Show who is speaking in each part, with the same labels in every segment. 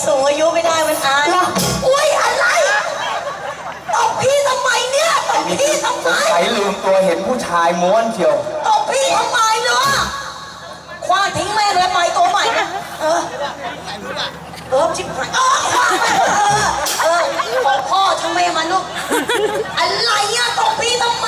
Speaker 1: สูงอายุไม่ได้มันอายอุ้ยอะไรตบพี่ทำไมเนี่ยตบพี่ทำไม
Speaker 2: ใครลืมตัวเห็นผู้ชายม้วนเชียว
Speaker 1: ตบพี่ทำไมเนาะคว้าทิ้งแม่เลยใหม่ตัวใหม่นะชิบหายคว้าไปของพ่อทำไมมันลูกอะไรเนี่ยตบพี่ทำไม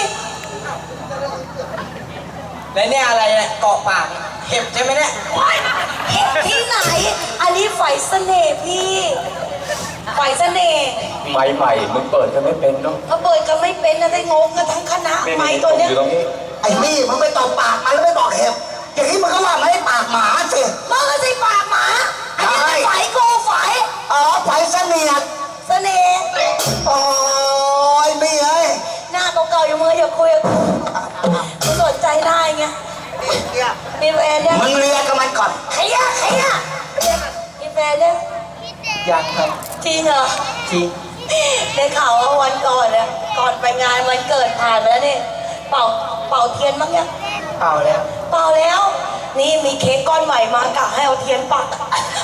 Speaker 3: แล้วเนี่ยอะไรเนี่ยเกาะปากเห็บใช่ไหมเนี่ย
Speaker 1: เห็บที่ไหนอันนี้ไฟเสน่ห์พี่ไฟเสน่ห์
Speaker 2: ใหม่มึงเปิดก็ไม่เป็นเนาะ
Speaker 1: เขาเปิดก็ไม่เป็นนะได้งงกันทั้งคณะไม้ตัวเนี้ย
Speaker 4: ไอ้นี่มึงไปตบปากมันแล้วไม่บอกเห็บอย่างนี้มึงก็ว่าไม่ให้ปากหมาสิ
Speaker 1: มึงก็สิปากหมาอันนี้ไฟกูไฟ
Speaker 4: ไฟเสนียด
Speaker 1: เสน่ห์
Speaker 4: โอ้ยไม่เอ้ย
Speaker 1: หน้าเก่าๆอยู่มืออย่าคุยกับกูสนใจได้ไงมีแฟนยัง
Speaker 4: มึงเรียกกับมันก่อน
Speaker 1: ใครอะมีแฟนยัง
Speaker 3: ยังครับ
Speaker 1: จริงเหรอ
Speaker 3: จริง
Speaker 1: ได้ข่าวว่าวันก่อนเนี่ยก่อนไปงานวันเกิดผ่านไปแล้วนี่เป่าเทียนมั้งยัง
Speaker 3: เปล่า
Speaker 1: แล้วนี่มีเค้กก้อนใหม่มากะให้เอาเทียนปัก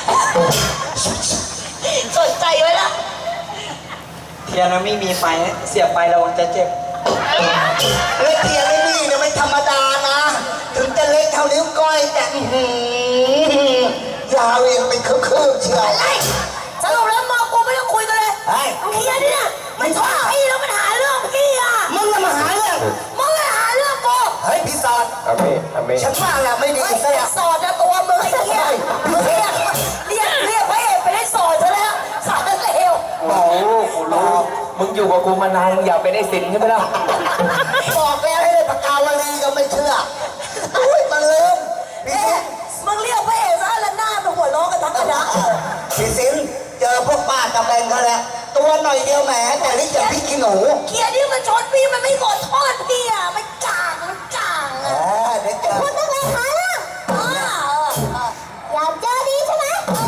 Speaker 1: สนใจไว้ละ
Speaker 3: เทียนมันไม่มีไฟเสียบไประวังจะเจ็บ
Speaker 4: เล็กเทียนไม่มีเนี่ยไม่ธรรมดานะถึงจะเล็กเท่านิ้วก้อยแต่ยาวเองเป็นคืบเชียว
Speaker 1: อะไรสรุปแล้วมอกูไม่ต้องคุยกันเลยไอ้เฮียเนี่ยมันชอบพี่แล้วมันหาเรื่องพี่อ่ะ
Speaker 4: มึงจะมาหาเรื่อง
Speaker 1: กู
Speaker 4: เฮ้ยพี่สอดฉันว่าแหละไม่ดี
Speaker 1: ซะแล้วสอดนะตัวมึงไอ้เหี้ยเรียกพระเอกไปได้สอดซะแล้วสอดเร็ว
Speaker 2: โอ้โหกูรู้มึงอยู่กับกูมานานมึงอยากไปได้สินใช่ไหมล่ะ
Speaker 4: บอกแล้วให้ได้ปากกาวลีก็ไม่เชื่ออุ้ยมันลืม
Speaker 1: มึงเรียกพระเอกซะแล้วหน้ามึงหัวล้อกันทั้งคณะ
Speaker 4: พี่สินเจอพวกป้าตะแบงเขาแล้วตัวหน่อยเดียวแหมแต่นี่จะพี่กินหนู
Speaker 1: เกียร์นี่มันชนพี่มันไม่ขอโทษพี่อ่ะมันจาง
Speaker 4: เด็กเจอ
Speaker 1: พูดตั้งแต่ขาล่างอยากเจอดีใช่ไหม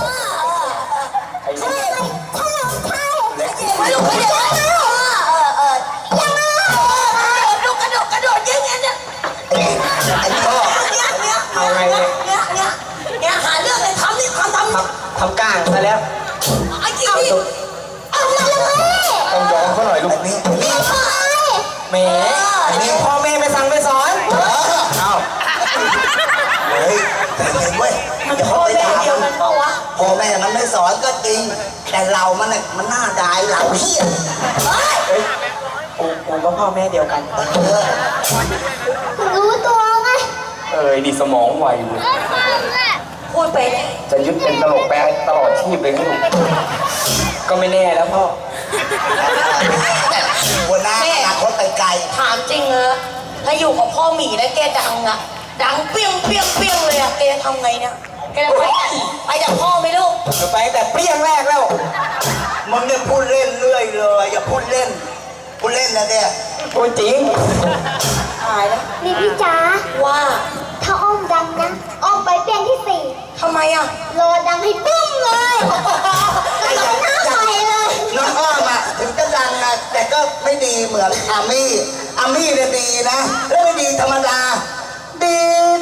Speaker 1: ใช่ไม่รู้เดี๋ยวยังกระโดดยิงเนี่ย
Speaker 4: ไอ้พ่อ
Speaker 3: เอาไง
Speaker 1: เนี่ยหาเรื่องเลยท
Speaker 3: ำก้างซะแล้ว
Speaker 1: ไอ้จริงพี่เอาเลย
Speaker 2: ต้องยอมเขาหน่อยลูก
Speaker 3: แหมนี่พ่อแม่ไม่สั่งไม่สอน
Speaker 4: เฮ้ยแต่เห็นเว้ย
Speaker 1: มันพ่อแม่เดียวกันเปล่าวะ
Speaker 4: พ่อแม่มันไม่สอนก็จริงแต่เรามันหน้าดายเราเฮี้ย
Speaker 3: กูก็พ่อแม่เดียวกัน
Speaker 1: รู้ตัวไหม
Speaker 2: ดีสมองไวอยู่
Speaker 1: พูดไป
Speaker 2: จะยึดเป็นตลกแปลตลอดชีพเลยครับ
Speaker 3: ก็ไม่แน่แล้วพ่อ
Speaker 4: วันหน้าอนาคตไกล
Speaker 1: ถามจริงเหรอถ้าอยู่กับพ่อหมีแล้วแกดังอะดังเปี้ยงเลยอะแกทำไงเนี่ยแกจะไปจากพ่อไหมลูก
Speaker 3: จะไปแต่เปี้ยงแรกแล้ว
Speaker 4: มึงเนี่ยพูดเล่นเรื่อยเลยอย่าพูดเล่นนะเนี่ย
Speaker 3: พูดจริง
Speaker 1: ตายแล้ว
Speaker 5: นี่พี่จ๋า
Speaker 1: ว่า
Speaker 5: ถ้าอ้อมดังนะอ้อมไปเปลี่ยนที่ 4
Speaker 1: ทำไมอ่ะ
Speaker 5: รอดังให้ปุ้มเลยแล้วก็หน้าใหม่เลย
Speaker 4: น้องอ้อมอ่ะถึงจะดังนะแต่ก็ไม่ดีเหมือนอามี่เนี่ยดีนะแล้วไม่ดีธรรมดาดี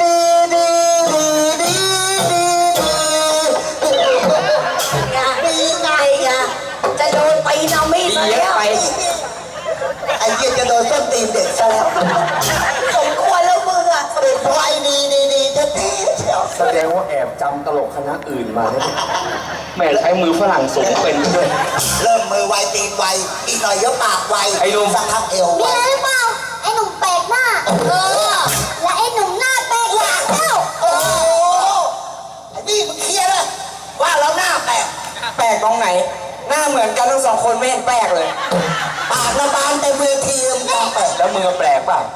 Speaker 1: ไงจะโดนตีนามี่ซะแล้ว
Speaker 4: ไอ้เหี้ยจะโดนส้นตีนเด็กซะแล้ว
Speaker 1: สมควรแล้วมึงอ่ะ
Speaker 4: เด็กวัยดีแท้ๆ
Speaker 2: แสดงว่าแอบจำตลกคณะอื่นมาเนี่ยแม่ใช้มือฝรั่งสูงเป็นด้วย
Speaker 4: เริ่มมือไวตีนไวอีกหน่อยเยอะปากไว
Speaker 2: ไอ้หนุ่ม
Speaker 4: สักพักเอว
Speaker 5: มีอะไรหรือเปล่าไอ้หนุ่มแปลกหน้าและไอ้หนุ่มหน้าแปลกหลังเจ้า
Speaker 4: ไอ้นี่มึงเคลียร์เลยว่าเราหน้าแปล
Speaker 3: กตรงไหนหน้าเหมือนกันทั้ง2คนไม่เห็นแปลกเลย
Speaker 4: ปากระบานแต่เวทีมึงแปลก
Speaker 2: แล้วมึงแปลกป่ะ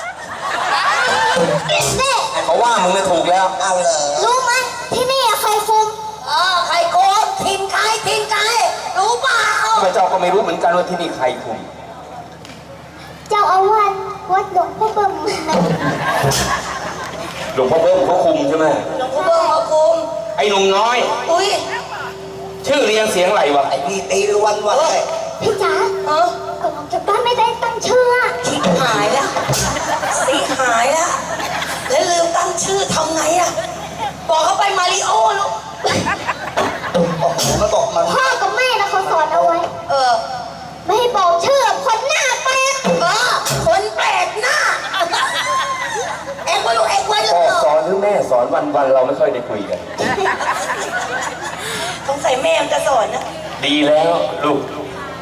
Speaker 2: เขาว่ามึงเนี่ยถูกแล้ว
Speaker 4: เอาเลย
Speaker 5: รู้ไหมที่นี่ใครคุม
Speaker 1: ใครโกงทีมใครรู้เปล่า
Speaker 2: พระเจ้าก็ไม่รู้เหมือนกันว่าที่นี่ใครคุม
Speaker 5: เจ้าอาวาสวัดหลวงพ่อเบิ่ม
Speaker 2: หลวงพ่อเบิ่มเขาคุมใช่ไหม
Speaker 1: หลวงพ่อเบิ่มเขาคุม
Speaker 2: ไอ้หนุ่มน้อย
Speaker 1: อุ้ย
Speaker 2: ชื่อเรียงเสียงอะไรวะ
Speaker 4: ไอ้พี่ตีวันเลย
Speaker 5: พี่จ๋าก่อนออกจากบ้านไม่ได้ตั้งชื่อ
Speaker 1: ชิบหายแล้วแล้วลืมตั้งชื่อทำไงอะบอกเขาไปมาริโอลูก
Speaker 4: มัน
Speaker 5: พ่อกับแม่นะเขาสอนเอาไว้
Speaker 1: เออ
Speaker 5: ไม่ให้บอกชื่อคนหน้าแปลก
Speaker 1: คนแปลกหน้า เอ็งว่าลูกเอ็งว่าลู
Speaker 2: พ่
Speaker 1: ก
Speaker 2: อสอนหรือแม่สอนวันเราไม่ค่อยได้คุยกัน
Speaker 1: สงสัยแม่มันจะสอนนะ
Speaker 2: ดีแล้วลูก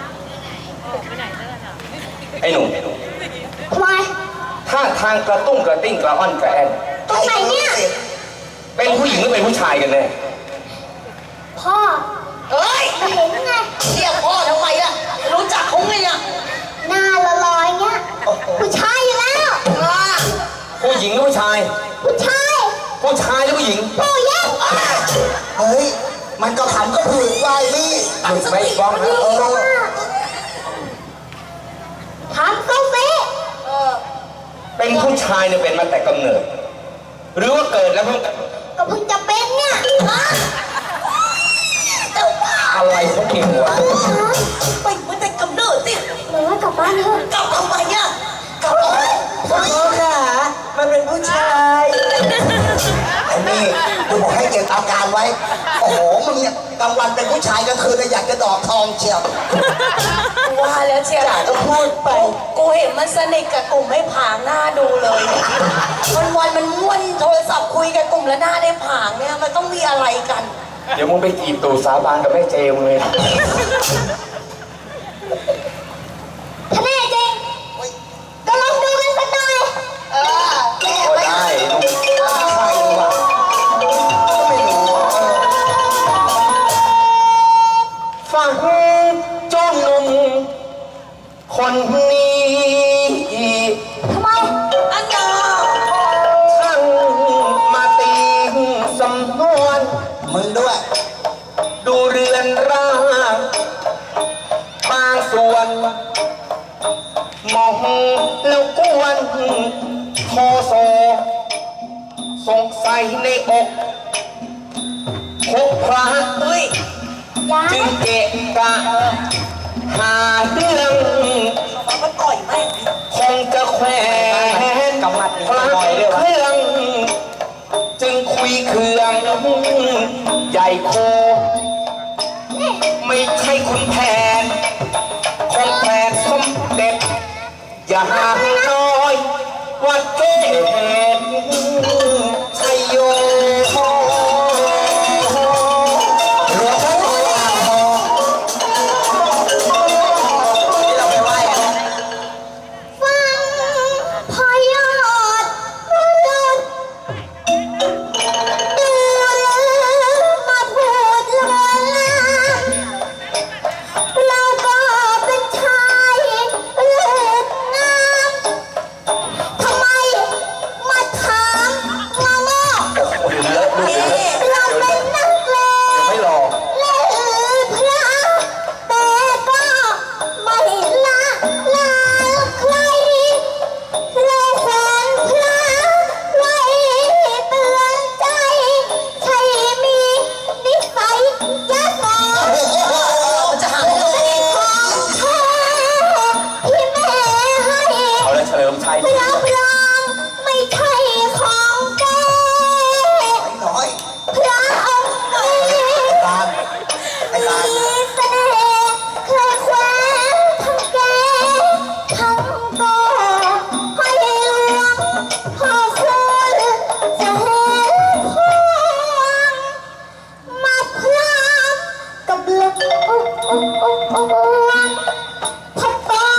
Speaker 2: ไอ้หนุ่ม
Speaker 5: ทำไม
Speaker 2: ถ้าทางกระตุ้งกระติ้งกระอ่อนกระแอน
Speaker 5: ตรงไหนเนี่ย
Speaker 2: เป็นผู้หญิงหรือเป็นผู้ชายกันแน่
Speaker 5: พ่อ
Speaker 1: เฮ้ย
Speaker 5: มาเห็นไง
Speaker 1: เรียกพ่อทำไมล่ะ รู้จักเขาไงเนี่ย
Speaker 5: หน้าลอยๆเงี้ยผู้ชายอยู่แล้ว
Speaker 2: ผู้หญิงหรือผู้ชาย
Speaker 5: ผู้ชาย
Speaker 2: ผู้ชายหรือผู้หญิง
Speaker 5: ผู้หญิง
Speaker 4: เฮ้ย มันก็ทำก็ผืนไว้นี่
Speaker 2: หลุดไม่บ้องนะ
Speaker 5: ถามเขาสิ
Speaker 2: เป็นผู้ชายเนี่ยเป็นมาแต่กำเนิด หรือว่าเกิดแล้วเพิ่ง
Speaker 5: ก็เพิ่งจะเป็นเนี่ย
Speaker 2: อะไรเขาเก่งวะ
Speaker 1: ไปเมื่อแต่กำเนิดสิ
Speaker 5: หรือว่ากลับบ้านเถอะ
Speaker 1: กลับทำไมอ่ะกลับทำไม
Speaker 3: พ่อค่ะ มันเป็นผู้ชาย
Speaker 4: ไอ้นี่กูบอกให้เก็บอาการไว้ โอ้โห มึงเนี่ยกลางวันเป็นผู้ชายกลางคืนเนี่ยอยากจะดอกทองเชียว
Speaker 1: ว่าแล้วเชียร์
Speaker 4: ก็พูดไป
Speaker 1: กูเห็นมันสนิทกับกลุ่มไม่ผางหน้าดูเลยวันมันม้วนโทรศัพท์คุยกับกลุ่มแล้วหน้าได้ผางเนี่ยมันต้องมีอะไรกัน
Speaker 2: เดี๋ยวมึงไปจีบตู่สาบานกับแม่เจมเลย
Speaker 5: ถ้าแน่จริงก็ลองดูกันสักหน่อย
Speaker 2: ก็ได้ลูก
Speaker 4: ใครวะไม่รู้
Speaker 2: ฟังจ้องหนุ่มคนนี้
Speaker 5: ทำไม
Speaker 1: อันยา
Speaker 2: ช่างมาตีสำนวน
Speaker 4: มึงด้วย
Speaker 2: ดูเรือนร่างบางส่วนมองแล้วกวนโทโซสงสัยในอกพบพระ
Speaker 1: เฮ้ย
Speaker 5: ยัง
Speaker 2: จึงเกะกะหาเรื่อง
Speaker 1: มันต่อยแม่ง
Speaker 2: คงจะแขวนกำมัดพระเครื่องจึงคุยเครื่องใหญ่โค ไม่ใช่คุณแผนของแผนสมเด็จ อย่าห่างน้อยวัดเกศชัยโย
Speaker 4: หลวงพ่ออ่างทองที่เราไปไหว้กัน
Speaker 5: ฟังพอยอดรุดดูมาพูดเลือนลางเราก็เป็นชายเลือดงามทำไมมาถามมาโง่
Speaker 2: ดูเลอะดูเลอะ
Speaker 5: เราเป็นนักเลง
Speaker 2: ไม่รอ
Speaker 5: และพระแต่ก็ไม่ละลาใครและแสนพระไว้เตือนใจ ใช่มีนิสัยยักษ์งอ
Speaker 1: มันจะหาเรื่องเอง
Speaker 5: ของแท้ที่แม่ให้
Speaker 2: เอาละเฉลิมชัย
Speaker 5: รับรองไม่ใช่ของแก
Speaker 4: ไอ้น้อย
Speaker 5: พระองค์นี้
Speaker 4: ตาลไอ้ตาล
Speaker 5: มีเสน่ห์เคยแคว้นทั้งแกทั้งโกให้หลวงพ่อคุณจะเห็นพวงมาพร้อมกับเลือดพัดตา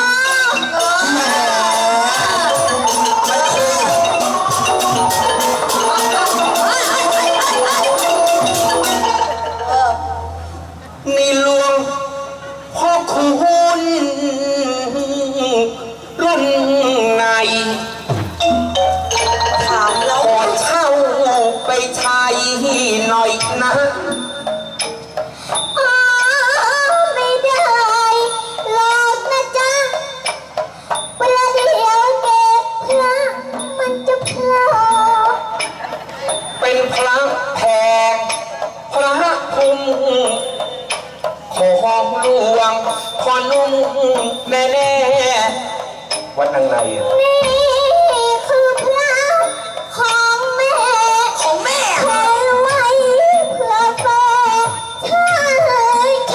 Speaker 2: นี่หลวงพ่อคุณรุ่นไหน
Speaker 1: ถามแล้ว
Speaker 2: ขอเช่าไปใช้หน่อยนะ
Speaker 5: อ๋อไม่ได้หรอกนะจ๊ะเวลาเดี๋ยวเก็บพระมันจะโผล่
Speaker 2: เป็นพระแพงพระภูมิของหลวงพอนุ่มแน่ๆวัดนางในอะ
Speaker 5: นี่คือพระของแม่
Speaker 1: ของแม่
Speaker 5: แขวนไว้เพื่อแฟนชาย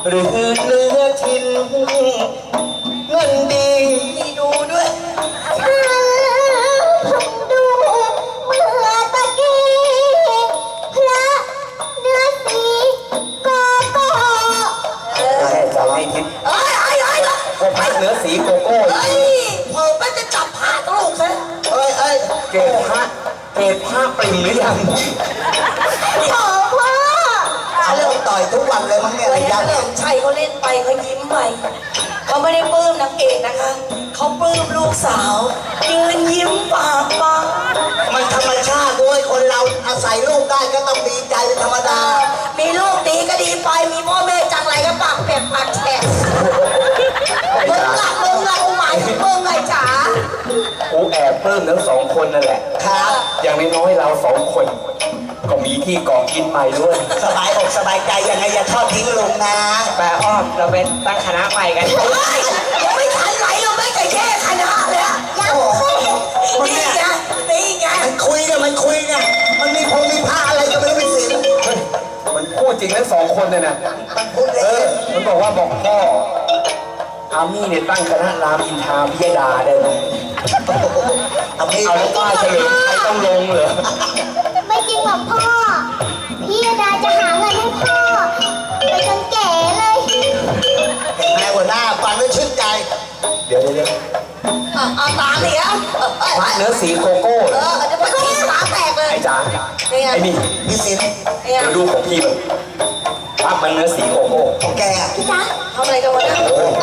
Speaker 2: หรือเนื้อชิ้นเงินดี
Speaker 1: มีดูด้วย
Speaker 5: ฉันเพิ่งดูเมื่อตะกี้พระเนื้อสีโกโก้
Speaker 2: แค่จะให้ทิพย์
Speaker 1: เอ้ย
Speaker 2: ก็พักเนื้อสีโกโก้
Speaker 1: เฮ้ยเพิ่มมันจะจับผ่าตลกซะ
Speaker 4: เอ้ย
Speaker 2: เกตผ้าปริ่มหรือยัง
Speaker 5: โอ้พ่อ
Speaker 4: เอาเรื่องต่อยทุกวันเลยมั้งเนี่ย
Speaker 1: เฮ้ย
Speaker 4: ยั
Speaker 1: ถ้าง เลิมชัยเขาเล่นไปเขายิ้มไปเขาไม่ได้ปลื้มนางเอกนะคะเขาปลื้มลูกสาวยืนยิ้มปากบาน
Speaker 4: มันธรรมชาติด้วยคนเราอาศัยลูกได้ก็ต้องดีใจเป็นธรรมดา
Speaker 1: มีลูกดีก็ดีไปมีพ่อแม่จังไรก็ปากแปกปากแฉะมึงละกูหมายถึงมึงไงจ๋า
Speaker 2: กูแอบปลื้มทั้งสองคนนั่นแหละ
Speaker 4: ครับ
Speaker 2: อย่างน้อยๆเราสองคน ก็มีที่เกาะกินใหม่ด้วย
Speaker 4: สบายอกสบายใจยังไงอย่าทอดทิ้งลุงนะ
Speaker 3: แปลอ้อมเราเป็นตั้งคณะใหม่กัน
Speaker 1: เฮ้ยยังไม่ทันไหลเราไม่เคยแค่คณะเลยอะ
Speaker 5: ยังเคยเห็น
Speaker 1: นี่ไงนี่ไง
Speaker 4: มันคุยเนี่ยมันมีมีผ้าอะไรก็ไม่รู้เป็นสิน
Speaker 2: มันพูดจริงทั้งสองคนเลยนะ
Speaker 4: มันพูดเล่น
Speaker 2: มันบอกพ่ออามี่เนี่ยตั้งคณะรามอินทราพิยดาได้ไหม
Speaker 4: เอาพี่
Speaker 2: เอาแล้วป้าเฉลิมชัยต้องลงเหรอ
Speaker 5: ไม่จริงหรอกพ่อ พี่ดาจะหาเงินให้พ่อ ไปจนแก่เลย
Speaker 4: เห็นไหมหัวหน้าฟังแล้วชื่นใจ
Speaker 2: เดี๋ยว
Speaker 1: เอาตาเหลีย
Speaker 2: พักเนื้อสีโกโก้
Speaker 1: เดี๋ยวมันขี้ตาแตกเลย
Speaker 2: ไอ้จ๋าไอ้นี่
Speaker 4: พี่สิน
Speaker 1: เนี่ย
Speaker 2: เดี๋ยวดูของพี่มันพักมันเนื้อสีโกโก้
Speaker 4: ของแกอะ
Speaker 5: พี่จ๊ะ
Speaker 1: ทำอะไรกันวะเนี่ย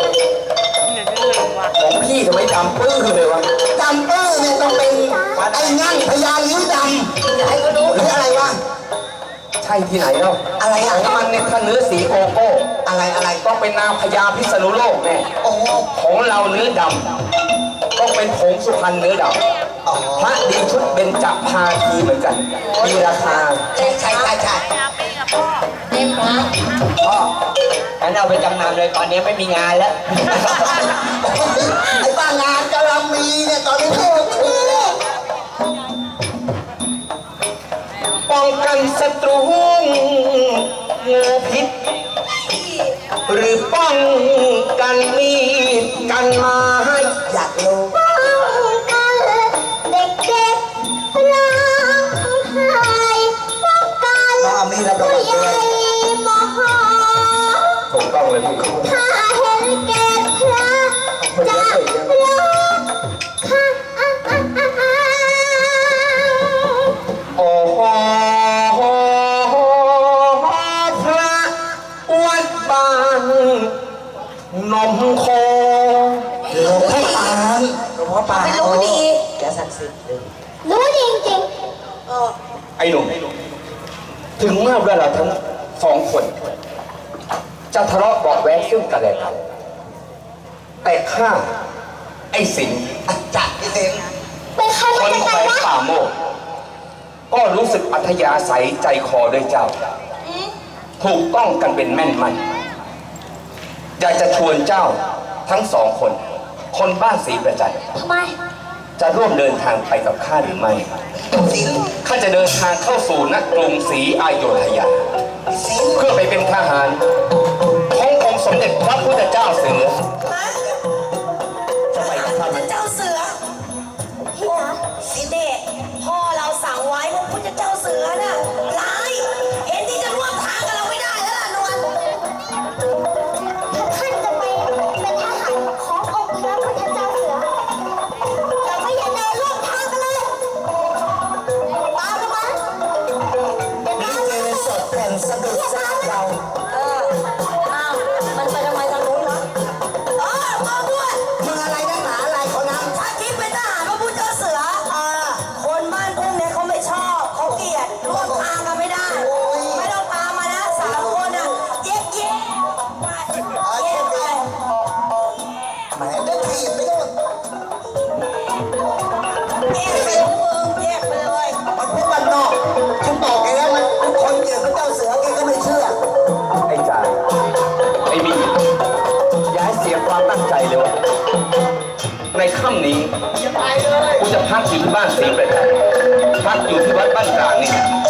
Speaker 2: ของพี่ทำไมดำปื้อเลยวะ
Speaker 4: ดำเปอร์เนี่ยต้องเป็นไอ้งั่งพญาลิ้วด
Speaker 1: อย่าให้เขารู้
Speaker 4: ำหรืออะไรวะ
Speaker 2: ใช่ที่ไหนเล่า
Speaker 4: อะไร
Speaker 2: ข
Speaker 4: อะ
Speaker 2: องมันเนี่ยถ้าเนื้อสีโกโก้
Speaker 4: อะไร
Speaker 2: ต้องเป็นนางพญาพิษณุโลกแน่
Speaker 4: โอ้โห
Speaker 2: ของเราเนื้อดำต้องเป็นผงสุพรรณเนื้อด
Speaker 4: อ๋อ
Speaker 2: ำพระดีชุดเบญจภาคีเหมือนกัน มีราคา
Speaker 4: ใช่
Speaker 1: เล่นพระ
Speaker 3: พ่องั้นเอาไปจำนำเลยตอนนี้ไม่มีงานแล้ว
Speaker 4: ไอ้บ้างานกำลังมีเนี่ยตอนนี้ก็คือเลย
Speaker 2: ป้องกันศัตรูงูพิษ หรือป้องกันมีดกันไม้
Speaker 4: อยากรู้
Speaker 5: ป้องกันเด็กๆร้องไห้ป้องกัน
Speaker 4: น้องอามีรับราง
Speaker 5: ผู้
Speaker 4: วัล
Speaker 5: ให
Speaker 4: ด้
Speaker 5: ญ่
Speaker 4: วย
Speaker 5: โมโห
Speaker 2: ถูกต้องเลยพี่
Speaker 5: ถ้าเห็นแก่พระจะร้องค่ะ
Speaker 2: โอ้โหพระวัดบางนมโค
Speaker 4: หลวงพ่อปาน
Speaker 3: หลวงพ่อปาน
Speaker 1: ไม่รู้ดี
Speaker 3: แกศักดิ์สิทธิ์เลย
Speaker 5: รู้จริง
Speaker 1: เออ
Speaker 2: ไอ้หนุ่มถึงเมื่อเวลาทั้งสองคน จะทะเลาะเบาะแว้งซึ่งกันและกันแต่ข้าไอ้สิงห์
Speaker 4: อาจารย์พี่สิน
Speaker 5: ๆ เป็นใคร
Speaker 2: ค
Speaker 5: มาน จาก
Speaker 2: แข
Speaker 5: ไหน
Speaker 2: วง
Speaker 5: วะ
Speaker 2: ป่าโมกก็รู้สึกอัธยาศัยใจคอด้วยเจ้า ถูกต้องกันเป็นแม่นมันอยากจะชวนเจ้าทั้งสองคน คนบ้านศรีประจันทร์
Speaker 5: ทำไม
Speaker 2: จะร่วมเดินทางไปกับข้าหรือไม่
Speaker 4: สิน
Speaker 2: ข้าจะเดินทางเข้าสู่นกรุงศรีอยุธยา
Speaker 4: สิน
Speaker 2: เพื่อไปเป็นทหารขององค์สมเด็จพระพุทธเจ้าเสือ
Speaker 1: จะไปกับข้าเจ้าเสือ
Speaker 5: พี่จ๋า
Speaker 1: สิเดชพ่อเราสั่งไว้ว่าพุทธเจ้าเสือน่ะร้ายเห็นที่จะร่วมทางกับเราไม่ได้แล้วล่ะนวล
Speaker 5: ถ้าท่านจะไปเป็นทหารขององค์พระพุทธเจ้าเสือเราไม่อยากเดินร่วมทางกันเลยตามกันมาเดี๋ยว
Speaker 4: ลิ
Speaker 5: ตาม
Speaker 4: เก
Speaker 5: มา
Speaker 4: สดแผ่นสะดุดซากเรา
Speaker 1: อ้าวมันไปทำไมทางนู้นวะมาด้วย
Speaker 4: มึงอะไรนักหนาอะไรเขานั้น
Speaker 1: ถ้าคิดเป็นทหารพระพุทธเจ้าเสือคนบ้านทุ่งเนี่ยเขาไม่ชอบเขาเกลียดร่วมทางกันไม่ได้ ไม่ต้องตามมานะสามคนน่ะเย็บเย็บไปเย็บไป
Speaker 4: แหมได้ทีบไปโน่น
Speaker 1: เย็บไปมึงเย็บไปเลย
Speaker 4: มันพูดบ้านนอกฉันบอกแกแล้วมันเป็นคนเกลียดพระเจ้าเสือแกก็ไม่เชื่อ
Speaker 2: ไอ้จ่าไอ้มีอย่าให้เสียความตั้งใจเลยวะในค่ำนี้กูจะพักอยู่ที่บ้านศรีประจันทร์พักอยู่ที่วัดบ้านกลางนี่